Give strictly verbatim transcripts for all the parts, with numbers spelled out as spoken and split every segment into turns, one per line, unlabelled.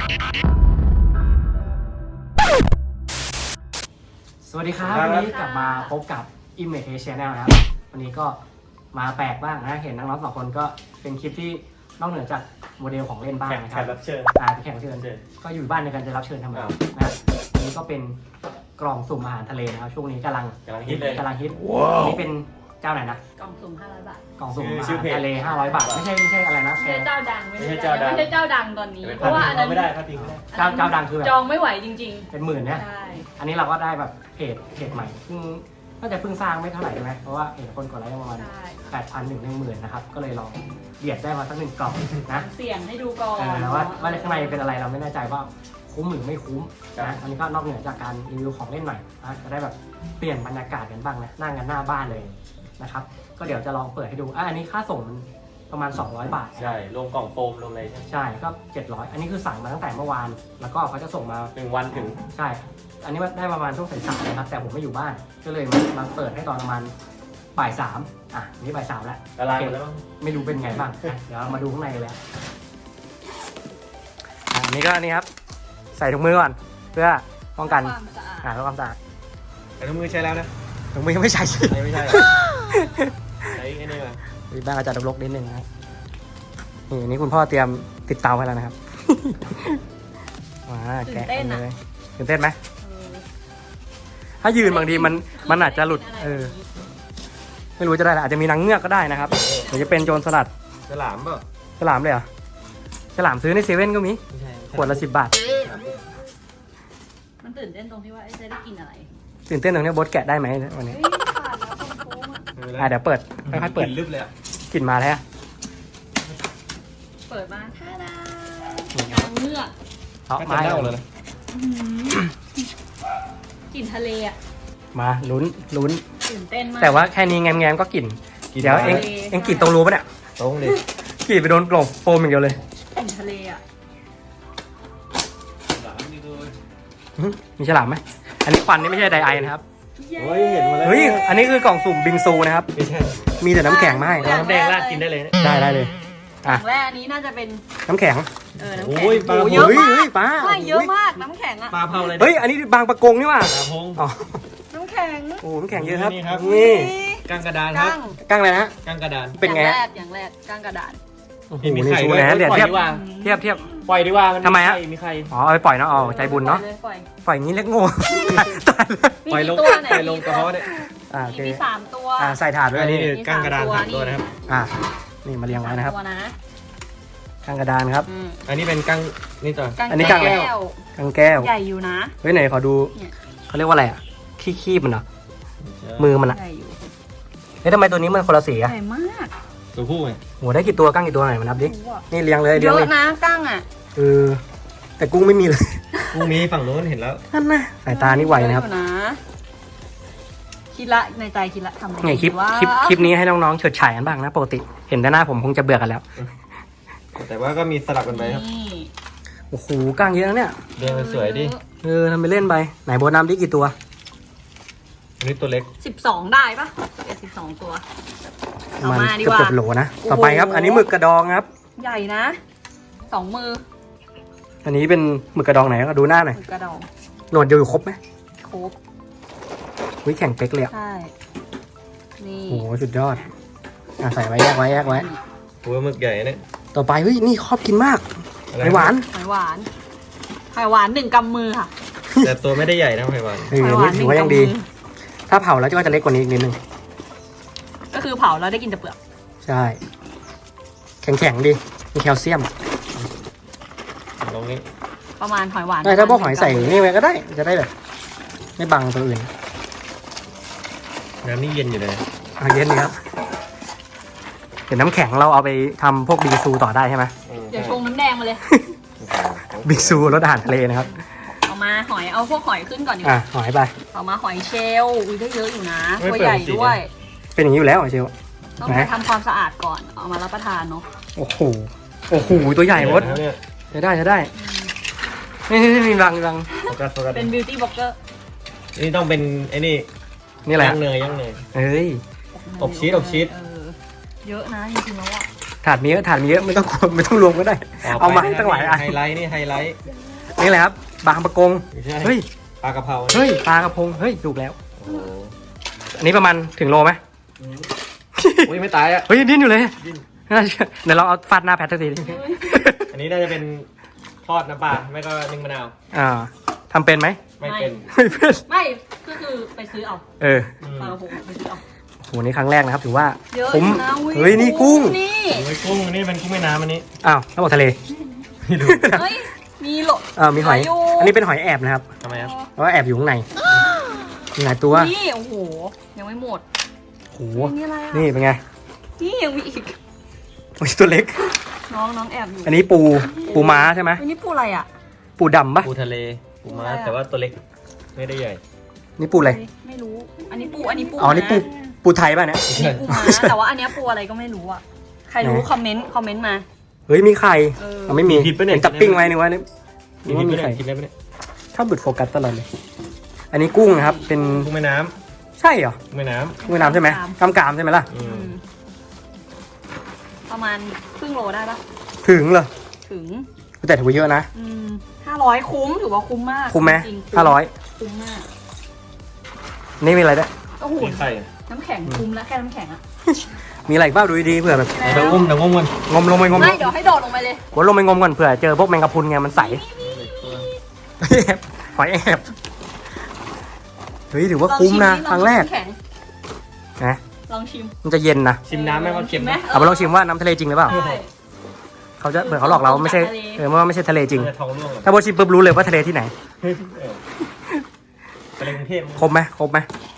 สวัสดีครับวันนี้กลับมาพบกับ Image Channel นะครับวันนี้ก็มาแปลกบ้างนะเห็นน้องๆสองคนก็เป็นคลิปที่นอกเหนือจากโมเดลของเล่นบ้างนะครับ
แขกรับเชิญ
อ่าแขกรับเชิญก็อยู่บ้านในการจะรับเชิญทำไมนะอันนี้ก็เป็นกล่องสุ่มอาหารทะเลนะครับช่วงนี้กำลัง
กำลังฮิตเลย
กำลังฮิตอันนี้เป็นเจ้าไหนนะ
กล่องสุ่มห้าร้อยบาท
กล่องสุ่มอาหารทะเลห้าร้อยบาทไม่ใช่ไม่ใช่อะไรนะ
ไม่ใช่เจ้าดังไม่
ไม่ใช่
ใช่
เจ้าดัง
ไม่ใช่เจ้าดังตอนนี้
เพ
เพราะว่าอันนั้น
ไม่ได้พลาดทิ้งไม่ได้
เจ้าเจ้าดังคือแบบ
จองไม่ไหวจริง
เป็นหมื่น
ๆ
นะ
ใช่
อันนี้เราก็ได้แบบเพจเพจใหม่เพิ่งน่าจะเพิ่งสร้างไม่เท่าไหร่ใช่ไหมเพราะว่าเห็นคนกดไลค์ประมาณ
ใช่
แปดพันถึงหนึ่งหมื่นนะครับก็เลยลองเบียดได้มาสักหนึ่งกล่องนะ
เสี่ยงให้ดูก่อน
เออว่าว่าข้างในเป็นอะไรเราไม่แน่ใจว่าคุ้มหรือไม่คุ้มนะอันนี้ก็นอกเหนือจากการรีวิวของเล่นหน่อยนะจะได้แบบเปลี่ยนบรรยากาศกันบ้างนะนั่งกันหน้าบ้านเลยนะครับก็เดี๋ยวจะลองเปิดให้ดูอ่ะอันนี้ค่าส่งประมาณสองร้อยบาท
ใช่รวมกล่องโฟมรวมอะไรใช่ไหม
ใช่ก็เจ็ดร้อยอันนี้คือสั่งมาตั้งแต่เมื่อวานแล้วก็เขาจะส่งมา
หนึ่งวันถึง
ใช่อันนี้ได้ประมาณช่วงสายๆนะครับแต่ผมไม่อยู่บ้านก็เลยมามาเปิดให้ตอนประมาณบ่ายสามอ่ะนี่บ่ายสามแล้ว
ละลายหมดแล้ว
ไม่รู้เป็นไงบ้างอ่ะเดี๋ยวเรามาดูข้างในเลยอ่ะอันนี้ก็นี่ครับใส่ถุงมือก่อนเพื่อป้องกัน
ความสะอาด
อ่าเพื่อความสะอาด
แต่ทุกมือใช้แล้วนะ
ถุงมือยังไม่ใช่สิ
ไม่ใช่ใช้ไอ้นี่มา
มีบ้างอาจจะรกๆนิดนึงนะครับนี่อันนี้คุณพ่อเตรียมติดเตาให้แล้วนะครับ ว้าแกะกันเลยตื่นเต้นไหม
เออ
ถ้ายืนบางทีมันมันอาจจะหลุดเออไม่รู้จะได้อะไรอาจจะมีนางเงือกก็ได้นะครับหรือจะเป็นโจรสลัด
ฉลามเปล่า
ฉลามเลยเหรอฉลามซื้อในเซเว่นก็มี
ไม่ใช่
ขวดละสิบบาท
มันตื่นเต้นตรงที่ว่าจะได้กินอะไร
ตื่นเต้นตรงนี้โบทแกะได้ไหมวันนี้
เฮ้ยขาดแล้วคนโค้งอ่ะ
อ่ะเดี๋ยวเปิดค่อยๆเปิด
ลึบเลยอ่ะ
กลิ่นมาแล้ว
เปิดมาท่าดานางเงือก
เอา
ก็
มา
จะเน่าเลยนะ
อื้อหือกลิ่นทะเลอ่ะ
มาลุ้นลุ้น
ตื่นเต้นมาก
แต่ว่าแค่นี้แง้มๆก็กลิ่นเดี๋ยวเองเองกลิ่นตรงรูปะเนี่ย
ตรงดิ
กลิ่นไปโดนกล่องโฟมอย่างเดียวเลย
กลิ่นทะเลอ่ะ
หึมีฉลามไหมอันนี้ควันนี่ไม่ใช่ไดไอนะครับ
เฮ้ยเห็นมาแล้ว
เฮ้ยอันนี้คือกล่องสุ่มบิงซูนะครับ
ไม่ใช่
มีแต่น้ำแข็งมาให้
น้ำแดงราดกินได้เลยนะ
ได้ได้เลย
อ
อ่ะ
ย่างแรกอันนี้น่าจะเป็น
น้ำแข็ง
เออน้ำแข็ง
โอ้ยปลา
โอ้
โพ
เยอะ
เฮ้ย
มาก
เฮ้ยป้า
ไม่เยอะมากน้ำแข็งอ่ะ
ปลาเผาเลย
เฮ้ยอันนี้บางประกงนี่ว่ะ
ปลาพง
อ๋อ
น้ำแข็ง
โอ้น้ำแข็งเยอะครับ
นี่ครับ
นี่
กางกระดานครับ
กั้ง
กั้งเลยนะ
กางกระดาน
เป็นไง
อย่าง
ฮะ
แรกอย่างแรกกั้งกระดาน
โอ้โห
มี
นี่
ไข่
ชู
ด้วย
นะเดี๋ยว
ปล่อย
เทียบ
ดีกว่า
เทียบเทียบ
ปล่อยดีกว่ามัน
ทำไมฮะ
มีใคร
อ๋อเอาไปปล่อยเนาะอ๋อใจบุญเนาะ
ปล่อย
ปล่อยอย่างนี้เล็กโง่ ตายแล้ว
มี
ปล่อยล
กี่
ง
ตัวไหน
ปล่อยลงกระเพาะเนี่ย
อ่าโอเค
มีสามตัว
อ่าใส่ถาดไว้อันนี้
คือกางกระดานสามตัวนะครับ
อ่านี่มาเรียงไว้นะครับ
สามตัวนะ
กั้งกระดานครับ
อืม
อันนี้เป็นกางนี่ต่อ
กั้ง
อันนี้กั้งอะไร
แก้ว
กั้งแก้ว
ใหญ่อยู่นะ
เฮ้ยไหนขอดู
เนี่ย
เขาเรียกว่าอะไรอ่ะขี้คีบมันเหรอมือมันอ่ะ
ใหญ่อยู่
เฮ้ยทำไมตัวนี้มันคนละสี
ให
อ่ะ
ญ่มาก
ตัวผู้ไง
โหได้กี่ตัวกั้งกี่ตัวไหนมานับดิ
โอ้โห
นี่เรียงเลย
เย
เรียง
อะ
เลย
นะกั้งอ่ะ
เออแต่กุ้งไม่มีเลย
กูมีฝั่งโน้นเห็นแล้ว
นั่นนะสายตานี่ไวนะครับ
เยออยู่นะคิดละในใจคิดละทำอะไร
ไงคลิป
ว่า
คลิปคลิปนี้ให้น้องๆเฉิดฉายกันบ้างนะปกติเห็นแต่หน้าผมคงจะเบื่อกันแล้ว
แต่ว่าก็มีสลับกันไปครับ
นี่
โอ้โหกั้งเยอะนะเนี่ย
เรียงสวยๆดิ
เออทำไปเล่นไปไหนโบนัมดิกี่ตัว
อันนี้ตัวเล็ก
สิบสองได้ปะเอ็ดสิบสองตัว
ประ
เอา
มาณ
มาดี
เกือบ
กว่า
เกือบโหลนะต่อไปครับ อันนี้หมึกกระดองครับ
ใหญ่นะสองมือ
อันนี้เป็นหมึกกระดองไหนก็ดูหน้าหน่อย
มือกระดอง
หนวดอยู่ครบไหม
ครบ
วิแข่งเป๊กเลยอะ
ใช่นี่
โอ้โหสุดยอดอ่ะใส่ไว้แยกไว้แยกไว้
หัวหมึกใหญ่เนี่ย
ต่อไปเฮ้ยนี่ชอบกินมาก
อะไร
ไอหวาน
หอยหวานหอยหวานหนึ่งกำมือค่ะ
แต่ตัวไม่ได้ใหญ่นะไพวัน
เออ
หอย
อัน
หวา
นี้
นห
ถื
นึ่
อง ว่ายัง
กำ
ดี
มือ
ถ้าเผาแล้วก็จะเล็กกว่านี้อีกนิดนึง
ก็คือเผาแล้วได้กินแต่เปลือก
ใช่ แข็งๆดีมีแคลเซียม
ตรงนี้
ประมาณหอยหวาน
ได้ถ้าพวกหอยใส่นี่ไว้ก็ได้ จะได้แบบ ไม่บังตัวอื่น
น้ำนี่เย็นอยู่เลย
เอาเย็นดีครับ เดี๋ยวน้ำแข็งเราเอาไปทำพวกบิงซูต่อได้ใช่ไหม
เดี๋ยวชงน้ำแดงมาเลย
บิงซูรสอาหารทะเลนะครับ
เอามาหอยเอาพวกหอยขึ้นก่อนดีก
อ่ะ
ว่า
หอยไป
เอามาหอยเชลล์อุ้ยได้เยอะอยู่นะตัวใหญ่ด้วย
เป็นอย่างนี้อยู่แล้วเหรอเชล
ต้องไปทำความสะอาดก่อนเอามารับประทานเนาะ
โอ้โห โอ้โห ตัวใหญ่มด
เนี่ย
ใช้ได้ใช้ได้ นี่นี่นี่มีรังมีรัง
โฟกัสโฟกัส
เป็นบิวตี้บล็อกเกอร์
นี่ต้องเป็นไอ้นี่
นี่แหละ
ย่างเนยย่างเนย
เฮ้ย
อบชีสอบชีส
เออเยอะนะจริงๆแล้วอ่ะ
ถาดมีเยอะถาดมีเยอะไม่ต้องกลัวไม่ต้องรวมก็ได้ เอามาให้ตั้งหลายอัน
ไฮไลท์นี่ไฮไลท์
นี่แหละครับบางประกง
ไม่ใช่
เฮ้ย
ปลากระเพรา
เฮ้ยปลากระพงเฮ้ยถูกแล้ว
โอ้โห
อันนี้ประมาณถึงโลไหม
อุ้ยไม่ตายอ่ะ
เฮ้ยดิ้นอยู่เลย
ดิ้น
น่าเชื่อเดี๋ยวเราเอาฟาดหน้าแพทสักทีดิ
อันนี้น่าจะเป็นทอดน้ำปลาไม่ก็นึ่งมะนาว
อ่าทำเป็นไหม
ไม่เป็น
ไม่เป็น
ไม่ก็คือไปซื้อเอา
เออ
อืม
ปลากระพงไปซื้อเอา
โหนี่ครั้งแรกนะครับถือว่า
เยอะ
คุ้ม
นะอุ๊
เฮ้ยนี่กุ้ง
นี่
โอ้ยกุ้งอันนี้เป็นกุ้งแม่น้ำอันนี้
อ้าวแล้วบอกทะเล
ไม่รู้
เฮ้ยมีโหล
เออมีหอย
อยู่
อันนี้เป็นหอยแอบนะครับ
ทำไมครับ
เพราะว่าแอบอยู่ข้างในมีหลายตัว
นี่โอ้โหยังไม่หมด
โห
นี่อะไรอ่ะ
นี่เป็นไง
นี่ยังมีอีก
โอ้ยตัวเล็ก
น้องน้องแอบอยู่
อันนี้ปูปูม้าใช่ไหม
อันนี้ปูอะไรอ่ะ
ปูดำปะ
ปูทะเลปูม้า
อะไรอะ
แต่ว่าตัวเล็กไม่ได้ใหญ่
นี่ปูอะไร
ไม่รู้ อันนี้ปูอันนี้ปู
อ๋อนี่ปูปูไทยป่ะเนี่ย
อันนี้ปูม้าแต่ว่าอันเนี้ยปูอะไรก็ไม่รู้อ่ะใครรู้
ไหน
คอมเมนต์คอมเมนต์มา
เฮ้ยมีไข่
เออ
เอาไม่มี
มีผิดปะเนี่ย
ห็จับปิ้งไว้นึกว่านี่
มี
นึก
พิษ
ว่า
ไห
มี
ม
ไข่
กินได้ไหมเนี่ย
ชอบหลุดโฟกัสตลอดเลย อันนี้กุ้งนะครับ เป็น
กุ้งแม่น้
ใช่เหรอ
ำกุ้งแม่น้
กุ้งแม่น้ำใช่ไหมกำกามใช่ไหมล่ะ
ำอื
อื
ม
มประมาณครึ่งโลได้ปะ
ถึงเหรอ
ถึง
แต่ถือว่าเยอะนะ
อืมห้าร้อยคุ้มถือว่าคุ้มมาก
คุ้มไหม
จริงๆ
ห้าร้อย
คุ้มมาก
นี่มีอะไรด้วย
โอ้โห
มีไข่อะ
น้ำแข็งคุ้มแล้วแค่น้ำแข็งอะ
มีอะไรอีกบ้างดูดีๆเผื่อแบบ
เดี๋ยวงมเดี๋ยวงมกัน
งมลงไปงม
ไม่เดี๋ยวให้โดดลงไปเลย
วนลงไปงมก่อนเผื่อเจอพวกแมงกะพรุนไงมันใสแอบหอยแอบเฮ้ยถือว่าคุ้มนะ
ลองชิ
ครั้งแรก
น้ำข็ง
นะ
ลองชิม
มันจะเย็นนะ
ชิมน้ำไหมว่าเค็มไหม
เอาไปลองชิมว่าน้ำทะเลจริงหรือเปล่า
ใช่
เขาจะเผื่อเขาหลอกเราว่าไม่ใช่
ทะเล
เออว่าไม่ใช่ทะเลจริง
จะท้องร่วงเหรอ
ถ้าโบชิมปุ๊บรู้เลยว่าทะเลที่ไหน
เออทะเลกรุงเทพ
ครบไหมครบไหม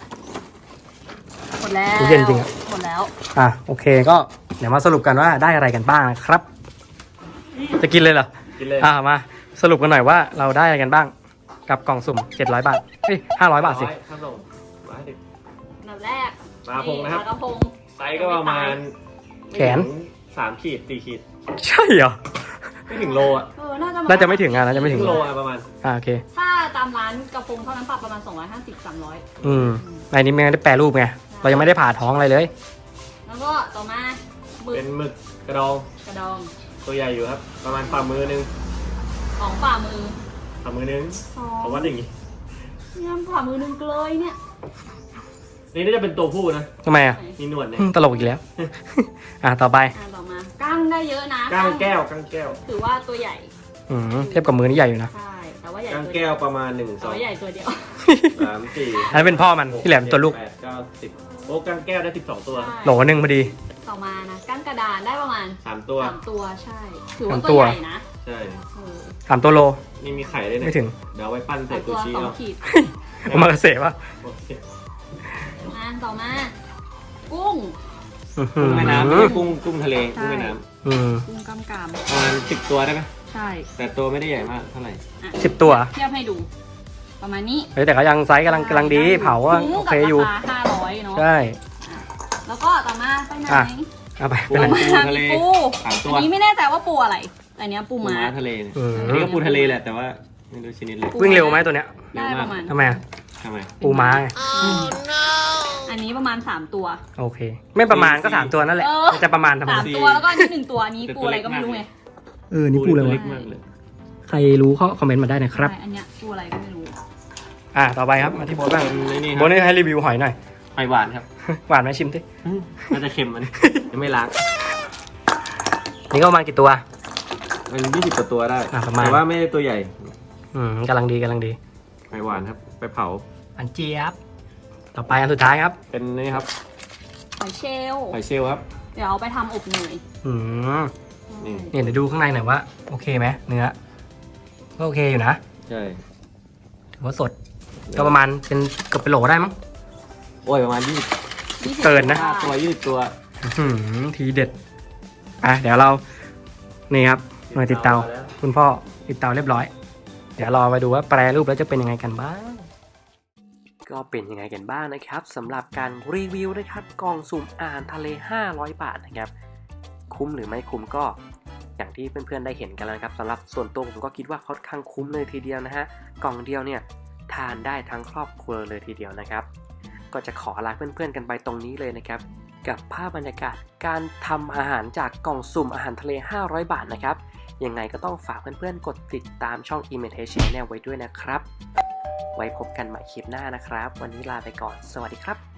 หมดแล้ว
เย็นจริงอะ
หมดแล้ว
อ่ะโอเคก็เดี๋ยวมาสรุปกันว่าได้อะไรกันบ้างนะครับ จะกินเลยเหรอ
กินเลย
อ่ะมาสรุปกันหน่อยว่าเราได้อะไรกันบ้างกับกล่องสุ่มเจ็ดร้อยบาทเฮ้ยห้าร้อยบาทสิ
ข้าวส่งมาให้ดิ
อันดับแรก
ปลากระพงนะครับ
ปลากระพง
ไซส์ก็ประมาณ
แขน
ไม่ถึงสามขีดสี่ขีด
ใช่เหรอ
ไม่ถึงโลอ่ะ
เออน่าจะ
น่าจะไม่ถึงอ่ะน่าจะไม่ถึง
โลอ่ะประมาณ
อ่าโอเค
ถ้าตามร้านกระพงเท่านั้นปรับประมาณสองร้อยห้าสิบ สามร้อย
อืมในนี้ไม่ได้แปรรูปไงเรายังไม่ได้ผ่าท้องอะไรเลย
แล้วก็ต่อมาหมึก
เป็นหมึกกระดอง
กระดอง
ตัวใหญ่อยู่ครับ ประมาณฝ่ามือนึง
ของฝ่ามือ
ฝ่ามือนึง
สอง
เขาวัดอย่างงี้
เนี่ยฝ่ามือหนึงเลยเนี่ย
นี่น่าจะเป็นตัวผู้นะ
ทำไมอ่ะ
มีหนวดเนี่ย
อืมตลกอีกแล้ว อ่ะต่อไป
อ่าต่อมากั้งได้เยอะนะ
ก้างแก้วก้างแก้ว
ถือว่าตัวใหญ่
อืมเทียบกับมือนี่ใหญ่อยู่นะ
ใช่ แต่ว่าใหญ่
ก้าง
ตัวเดี
แก้
ยว
วประมาณหนึ่งส
แต่
อง
ว่าใหญ่ตัวเดียว
สามสี่
อันนั้นเป็นพ่อมันที่แหลมตัวลูก
แปดเก้าสิบโอ้ก้างแก้วได้สิบสองตัว
ใช่
โหลหนึ่งพอดี
ต่อมานะกั้งกระดานได้ประมาณ
สามตัว
สามตัวใช่ ถือว่า
สามตั
ตัว วใหญ่นะ
ใช่
เออ
สามตัวโล
นี่มีไข่ด้วยเนี่ย
ไม่ถึง
เดี๋ยวเอาไว้ปั้นใส่
สาม
ซู
ตัว
ชิ
สอง
เอา
ขีด
โอมากาเสะป่ะ
โอเค
อ่าต่อมา กุ้ง
อื้อหื
กุ้ง
อ
แม่น้ำไม่ใช่กุ้งกุ้งทะเลกุ้งแม่น้
อืม
กุ้งกำกาม
ำประมาณสิบตัวได้ไหม
ใช่
แต่ตัวไม่ได้ใหญ่มากเท่าไหร่
อ่ะ
สิบตัว
เทียบให้ดู ประมาณนี้
เฮ้ยแต่ก็ยังไซส์กำลังกำลังดีเผาว่า
คุ้ม
โอ
กับ
เคอยู่
ราคาห้าร้อยเนาะ
ใช่
แล้วก็ต่อมาไปไหน
อ่ะ เอาไป
ปู
ไปไหน
ปูทะเล
มีปู
สามตัว
อันนี้ไม่แน่ใจว่าปูอะไรแต่อันเนี้ยปู
ปู
ม้า
ม้าทะเลเนี่ย
อืม
อันนี้ก็ปูทะเลแหละแต่ว่าไม่รู้ชนิดเลย
วิ่งเร็วไหมตัวเนี้ย
ได้ประมาณ
ทำไมอ่ะ
ทำไม
ปูม้าไง
อันนี้ประมาณสามตัว
โอเค ไม่ประมาณก็สามตัวนั่นแหละ
เออ
มันจะประมาณทำไม
สามตัวแล้วก็อันนี้หนึ่งตัวอันนี้ปูอะไรก็ไม่รู้ไง
เออนี่ปูอะไร
ตัว
วะ
เล็กมากเลย
ใครรู้เขาคอมเมนต์มาได้นะครับ
ใช่อันเนี้ยปูอะไรก็ไม่รู้
อ่ะต่อไปครับมาที่โบ๊ทบ้าง
นี่นี่ค
โบ๊
รั
ท
บ
นี่ให้รีวิวหอยหน่อย
หอยหวานครับ
หวานไหมชิมสิ
อืมน่าจะเค็มมันยังไม่ล้าง
นี่ก็ประมาณกี่ตัว
มันยี่สิบกว่าตัวได้
อ่ะประมาณ
แต่ว่าไม่ได้ตัวใหญ่
อืมกำลังดีกำลังดี
หอยหวานครับ ไปเผา
อันเจี๊ยบต่อไปอันสุดท้ายครับ
เป็นนี่ครับ
หอยเชลล์
หอยเชลล์ครับ
เดี๋ยวเอาไปทำอบเนย
อืม
นี่
เนี่ยเดี๋ยวดูข้างในหน่อยว่าโอเคไหมเนื้อก็โอเคอยู่นะ
ใช่
ถือว่าสดก็ประมาณเป็นเกือบเป็นโหลได้มั้ง
โอ้ยประมาณยี่สิบ
ยี่สิบ
เกินนะ
ห้าตัวยี่สิบตัว
อื้อหือทีเด็ดอ่ะเดี๋ยวเรานี่ครับหน่วยติดเตาคุณพ่อติดเตาเรียบร้อย เดี๋ยวรอไปดูว่าแปรรูปแล้วจะเป็นยังไงกันบ้าง ก็เป็นยังไงกันบ้างนะครับสำหรับการรีวิวนะครับกล่องสุ่มอาหารทะเลห้าร้อยบาทนะครับคุ้มหรือไม่คุ้มก็อย่างที่เพื่อนๆได้เห็นกันแล้วนะครับสำหรับส่วนตัวผมก็คิดว่าค่อนข้างคุ้มเลยทีเดียวนะฮะกล่องเดียวเนี่ยทานได้ทั้งครอบครัวเลยทีเดียวนะครับก็จะขอลาเพื่อนๆกันไปตรงนี้เลยนะครับกับภาพบรรยากาศการทำอาหารจากกล่องสุ่มอาหารทะเลห้าร้อยบาทนะครับยังไงก็ต้องฝากเพื่อนๆกดติดตามช่อง Image Channel ไว้ด้วยนะครับไว้พบกันใหม่คลิปหน้านะครับวันนี้ลาไปก่อนสวัสดีครับ